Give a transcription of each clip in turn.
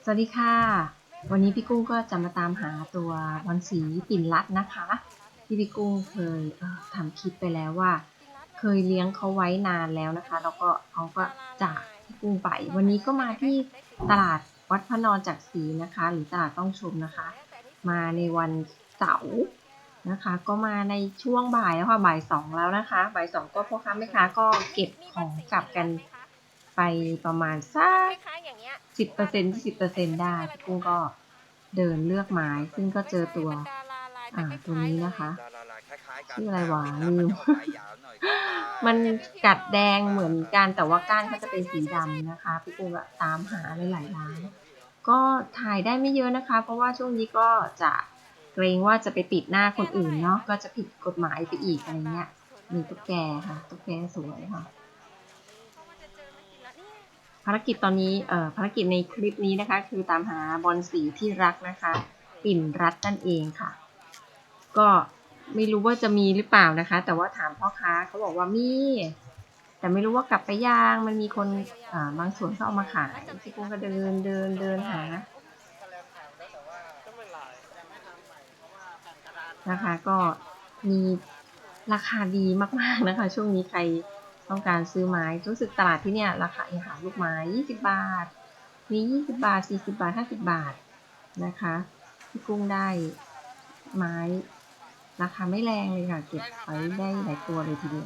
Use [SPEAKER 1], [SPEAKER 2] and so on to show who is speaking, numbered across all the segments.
[SPEAKER 1] วัสดีค่ะวันนี้พี่กุ้งก็จะมาตามหาตัวบอลสีปิ่นรัดนะคะที่พี่กุ้งเคยทำคลิปไปแล้วว่าเคยเลี้ยงเขาไว้นานแล้วนะคะแล้วก็เขาก็จากพี่กุ้งไปวันนี้ก็มาที่ตลาดวัดพระนอนจักรศรีนะคะหรือตลาดต้องชมนะคะมาในวันเสาร์นะคะก็มาในช่วงบ่ายแล้วค่ะบ่ายสองแล้วนะคะบ่ายสองก็พ่อค้าแม่ค้าก็เก็บของกลับกันไปประมาณสัก10% 20%ได้พี่กุ้งก็เดินเลือกไม้ซึ่งก็เจอตัวตัวนี้นะคะชื่ออะไรวะลืม มันกัดแดงเหมือนกันแต่ว่าก้านเขาจะเป็นสีดำนะคะพี่กุ้งก็ตามหาหลายๆร้านก็ถ่ายได้ไม่เยอะนะคะเพราะว่าช่วงนี้ก็จะเกรงว่าจะไปติดหน้าคนอื่นเนาะก็จะผิดกฎหมายไปอีกอะไรเงี้ยมีตุ๊กแกค่ะตุ๊กแกสวยค่ะภารกิจตอนนี้ภารกิจในคลิปนี้นะคะคือตามหาบอลสีที่รักนะคะปิ่นรัดนั่นเองค่ะก็ไม่รู้ว่าจะมีหรือเปล่านะคะแต่ว่าถามพ่อค้าเขาบอกว่ามีแต่ไม่รู้ว่ากลับไปย่างมันมีคนบางส่วนเขาเอามาขายพี่กุ้งก็เดินหานะคะก็มีราคาดีมากๆนะคะช่วงนี้ใครต้องการซื้อไม้รู้สึกตลาดที่เนี่ยราคาหาลูกไม้20 บาทมี20 บาท40 บาท50 บาทนะคะพี่กุ้งได้ไม้ราคาไม่แรงเลยค่ะเก็บไว้ได้หลายตัวเลยทีเดียว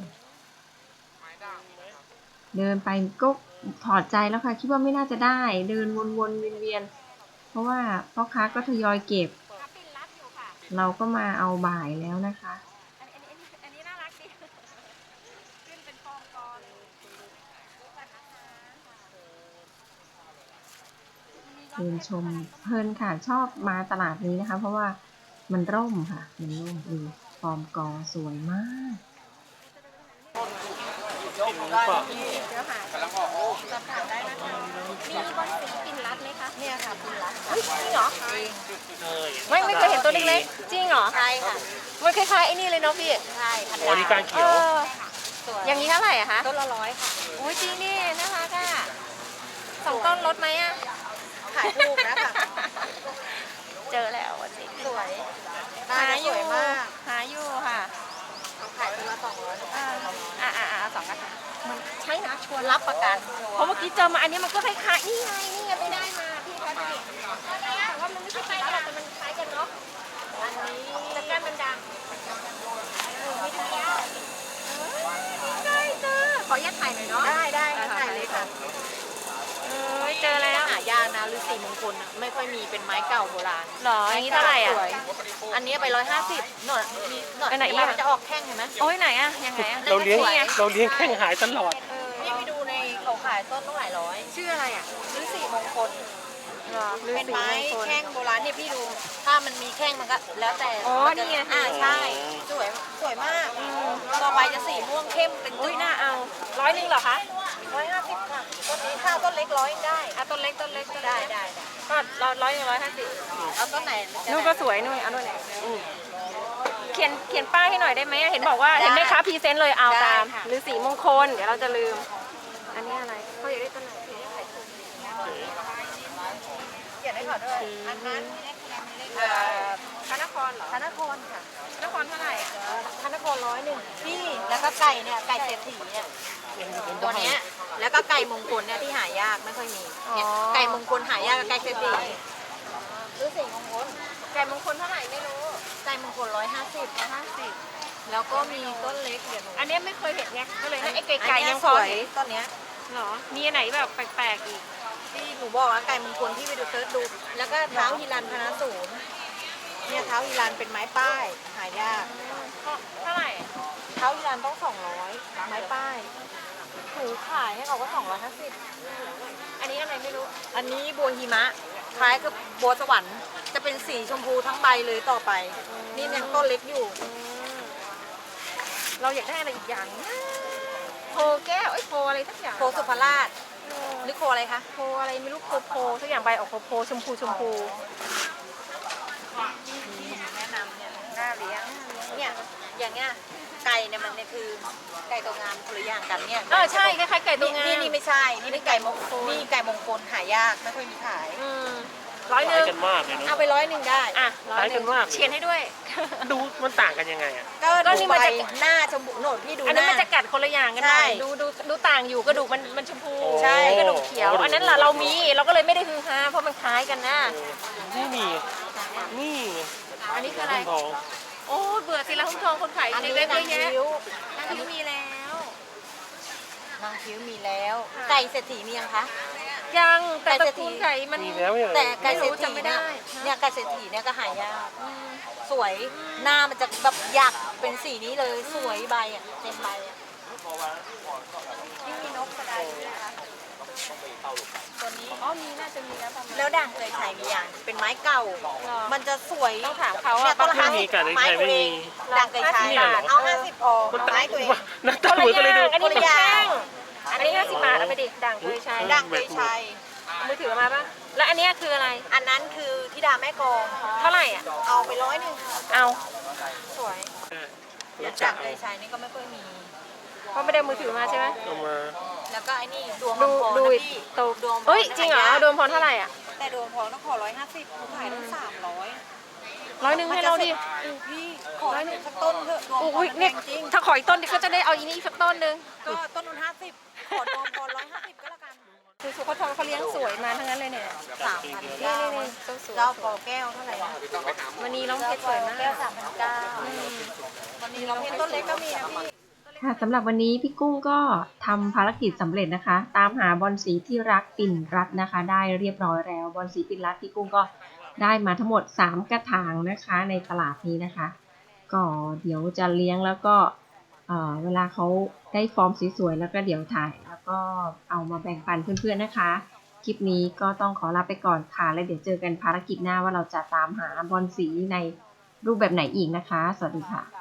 [SPEAKER 1] เดินไปก็ถอดใจแล้วค่ะคิดว่าไม่น่าจะได้เดินวนๆเวียนๆเพราะว่าพ่อค้าก็ทยอยเก็บเราก็มาเอาบ่ายแล้วนะคะอันนี้น่ารักดีขึ้นเป็นฟองกอเลยเดินชมเพลินค่ะชอบมาตลาดนี้นะคะเพราะว่ามันร่มค่ะมันร่มดูฟอร์มกอสวยมากสอบถามได้นะคะมีบอลสีปิ่นรัดไหมคะเนี่ยค่ะปิ่นรัดจริงเหรอไม่เคยเห็นตัวเล็กๆจริงเหรอใช่ค่ะมันคล้ายๆไอ้นี่เลยเนาะพี่ใช่ค่ะโอ้นี่การเขียวอย่างนี้เท่าไหร่อะคะต้นละ100ค่ะโอ้ยจริงนี่นะคะค่ะ2 ต้นลดไหมอะขายถูกนะคะเจอแล้ววันนี้สวยหาอยู่หาอยู่ค่ะขายตัวละ2002กันมันใช่นะชวนรับประกันเพราะเมื่อกี้เจอมาอันนี้มันก็คล้ายๆนี่ไงไม่ได้มาพี่คะดูแต่ว่ามันไม่ใช่ปิ่นรัดแต่มันคล้ายกันเนาะอันนี้แต่ก้านมันดำไม่ได้เจอขออนุญาตถ่ายหน่อยเนาะได้ถ่ายเลยค่ะเจอแล้วหายากนะฤาษีมงคลไม่ค่อยมีเป็นไม้เก่าโบราณหรออันนี้เท่าไหร่อ่ะอันนี้ไป150หน่อยไหนมันจะออกแข้งเห็นไหมโอ้ยไหนอ่ะยังไงอ่ะ
[SPEAKER 2] เราเลี้ยงแข้งหายตลอด
[SPEAKER 1] นี่ไปดูในเขาขายต้นต้องหลายร้อยชื่ออะไรอ่ะฤาษีมงคลเป็นไม้แข้งโบราณเนี่ยพี่ดูถ้ามันมีแข้งมันก็แล้วแต่อ๋อนี่ไงใช่สวยมากต่อไปจะสีม่วงเข้มเป็นอุ้ยน่าเอา100เหรอคะ150ค่ะต้นนี้ข้าวต้นเล็ก100ได้ต้นเล็กได้ก็100 150เอาต้นไหนนู่นก็สวยนู่นเอานู่นเขียนป้ายให้หน่อยได้ไหมเห็นบอกว่าเห็นไหมคะพรีเซนต์เลยเอาตามหรือสีมงคลเดี๋ยวเราจะลืมอันนี้อะไรเขาอยากได้ต้นไหนเขียนให้เขาด้วยอันนั้นพระนครเหรอพระนครค่ะพระนครเท่าไหร่อ่ะพระนคร101พี่แล้วก็ไก่เนี่ยไก่เศรษฐีเนี่ยตัวเนี้ยแล้วก็ไก่มงคลเนี่ยที่หายากไม่ค่อยมีไก่มงคลหายากกับไก่เศรษฐีหรือสีมงคลไก่มงคลเท่าไหร่ไม่รู้ไก่มงคล150แล้วก็มีต้นเล็กเดี๋ยวอันนี้ไม่เคยเห็นไงก็เลยให้ไอ้ไก่ยังสวยต้นเนี้ยหรอมีอันไหนแบบแปลกๆอีกที่หนูบอกว่าไก่มงคลที่ไปดูเซิร์ชดูแล้วก็เท้าฮิรันพนาศูนย์เนี่ยเท้าฮิรันเป็นไม้ป้ายหายากเท่าไหร่เท้าฮิรันต้อง200ไม้ป้ายถือขายให้เขาก็250อันนี้อะไรไม่รู้อันนี้บัวหิมะคล้ายกับบัวสวรรค์จะเป็นสีชมพูทั้งใบเลยต่อไปนี่ยังต้นเล็กอยู่เราอยากได้อะไรอีกอย่างโพแก้วโพอะไรสักอย่างโพสุภราชหรือโพอะไรคะโพอะไรไม่รู้โพสักอย่างใบออกโพชมพูแนะนำเนี่ยน่าเลี้ยงเนี่ยอย่างเงี้ยไก่เนี่ยมันเนี่ยคือไก่ตัวงามคนละอย่างกันเนี่ย
[SPEAKER 3] ใช่คล้ายๆไก่ตัวงาม
[SPEAKER 1] นี่ไม่ใช่นี่เป็นไก่มงคลนี่ไก่มงคลหายากไม่ค่อยมีขาย
[SPEAKER 3] ร้อยห
[SPEAKER 2] คล้าย
[SPEAKER 3] นึ่ง
[SPEAKER 2] กันมากเลยเนาะ
[SPEAKER 1] เอาไป100ได้
[SPEAKER 3] อ่ะ
[SPEAKER 2] คล้ายกันมาก
[SPEAKER 3] เชียร์ให้ด้วย
[SPEAKER 2] ดูมันต่างกันยังไงอ่ะ
[SPEAKER 1] ก็
[SPEAKER 3] ก็
[SPEAKER 1] ดู
[SPEAKER 3] นี่
[SPEAKER 1] ใบ
[SPEAKER 3] มันจะ
[SPEAKER 1] หน้าชมพูโหนดพี่ดู
[SPEAKER 3] อัน
[SPEAKER 1] ห
[SPEAKER 3] นั้น
[SPEAKER 1] น้า
[SPEAKER 3] มันจะกัดคนละอย่างกันหน่อย
[SPEAKER 1] ใช่
[SPEAKER 3] ดูต่างอยู่กระดูกมันชมพู
[SPEAKER 1] ใช่
[SPEAKER 3] กระดูกเขียว อันนั้นล่ะเรามีเราก็เลยไม่ได้ฮือฮาเพราะมันคล้ายกันนะ
[SPEAKER 2] นี่นี่
[SPEAKER 3] อันนี้คืออะไร
[SPEAKER 2] ทอง
[SPEAKER 3] โอ้เบื่อสิละหุ้มทองคนขาย
[SPEAKER 1] อันนี้
[SPEAKER 3] เล็กๆ
[SPEAKER 1] นา
[SPEAKER 3] เยอะ
[SPEAKER 1] ง
[SPEAKER 3] แยะ
[SPEAKER 1] คิ้ว
[SPEAKER 3] นางคิ้วมีแล้ว
[SPEAKER 1] นางคิ้วมีแล้ว ไก่เศรษฐีมียังคะ
[SPEAKER 3] ยังแต่
[SPEAKER 1] ไก่
[SPEAKER 3] ต
[SPEAKER 1] เศร
[SPEAKER 3] ระ
[SPEAKER 1] ษฐี
[SPEAKER 3] กูลไก่มัน
[SPEAKER 2] มีแล้วเนี่ย
[SPEAKER 1] แต่ไก่เศรษ
[SPEAKER 3] ไม่รู้
[SPEAKER 1] ฐี
[SPEAKER 3] จำไม่
[SPEAKER 1] เนี่ย
[SPEAKER 3] ได้
[SPEAKER 1] เนี่ยไก่เศรษฐีเนี่ยก็หายากสวยหน้ามันจะแบบอยากเป็นสีนี้เลยสวยใบอ่ะเต็มใบอ่ะนี่มีนกกระไดด้วยนะคะตัวนี้
[SPEAKER 3] อ๋อมีน่าจะมีแล้วประมาณ
[SPEAKER 1] แล้วด่างเคยใช้มีอย่างเป็นไม้เก่า มันจะสวย
[SPEAKER 3] ต้องถามเขา
[SPEAKER 1] เนี่
[SPEAKER 3] อะ
[SPEAKER 1] ยต้นละ
[SPEAKER 2] ไม่มีไก่เลย
[SPEAKER 1] ไม้
[SPEAKER 2] ไก่
[SPEAKER 1] ตัว
[SPEAKER 2] ไม่
[SPEAKER 1] เอ
[SPEAKER 2] มี
[SPEAKER 1] งด่างเคยใช้
[SPEAKER 3] 50 บาท
[SPEAKER 1] เอา50พอ
[SPEAKER 2] มัน
[SPEAKER 1] ไม้ตัวเอง
[SPEAKER 2] หน้าตาเหมือนกันเลยดู
[SPEAKER 3] อันนี้เป็น
[SPEAKER 1] คนละอย่าง
[SPEAKER 3] แข้งอันนี้50 บาทเอาไปดิด่างเคยใช้
[SPEAKER 1] ด่างเคยใช้
[SPEAKER 3] มือถือมาปะแล้วอันเนี้ยคืออะไร
[SPEAKER 1] อันนั้นคือธิดาแม่กลอง
[SPEAKER 3] เท่าไหร่อ่ะ
[SPEAKER 1] เอาไป100
[SPEAKER 3] เอา
[SPEAKER 1] สวย
[SPEAKER 2] รู้จั
[SPEAKER 1] ด่าก งเคยใช้นี่ก็ไม่ค่อยมี
[SPEAKER 3] เพราะไม่ได้เอามือถือมาใช่ไหม
[SPEAKER 2] เอามา
[SPEAKER 1] แล้วก็ไอ้นี่ดวง
[SPEAKER 3] ดู
[SPEAKER 1] มังกร
[SPEAKER 3] ดู
[SPEAKER 1] นะ
[SPEAKER 3] อีก
[SPEAKER 1] พี่
[SPEAKER 3] โต
[SPEAKER 1] ดวงมังก
[SPEAKER 3] เฮ้ยจริงเหรอ
[SPEAKER 1] หายาก
[SPEAKER 3] โดนพรเท่าไหร่อ่ะ
[SPEAKER 1] แต่ดวงมังกรต้องขอ150เขาขายตั้ง300
[SPEAKER 3] 100ให้เราดิ
[SPEAKER 1] พี่ขอให้หนูสักต้นเถอะดวงมังก
[SPEAKER 3] อุ้ย
[SPEAKER 1] ร
[SPEAKER 3] เนี่ย
[SPEAKER 1] จริง
[SPEAKER 3] ถ้าขออีกต้นดิก็จะได้เอาอีนี่สักต้นหนึง
[SPEAKER 1] ก็ต้นนู้น50ขอดวงมังกร150ก็แล้วกัน
[SPEAKER 3] คือสุโขทัยเขาเลี้ยงสวยมาทั้งนั้นเลยเนี่ย
[SPEAKER 1] 3,900
[SPEAKER 3] นี่เจ้าสวย
[SPEAKER 1] เจ้าปอแก้วเท่าไหร่นะ
[SPEAKER 3] วันนี้น้องเพชรสวยมาก
[SPEAKER 1] แก้ว3,900วันนี้เราเพชรต้นเล็กก็มีนะพี่
[SPEAKER 4] ค่ะสำหรับวันนี้พี่กุ้งก็ทำภารกิจสำเร็จนะคะ ตามหาบอลสีที่รักปิ่นรัตน์นะคะ ได้เรียบร้อยแล้วบอลสีปิ่นรัตน์พี่กุ้งก็ได้มาทั้งหมด3กระถางนะคะในตลาดนี้นะคะก็เดี๋ยวจะเลี้ยงแล้วก็เวลาเขาได้ฟอร์มสวยๆแล้วก็เดี๋ยวถ่ายแล้วก็เอามาแบ่งปันเพื่อนๆนะคะคลิปนี้ก็ต้องขอลาไปก่อนค่ะแล้วเดี๋ยวเจอกันภารกิจหน้าว่าเราจะตามหาบอลสีในรูปแบบไหนอีกนะคะสวัสดีค่ะ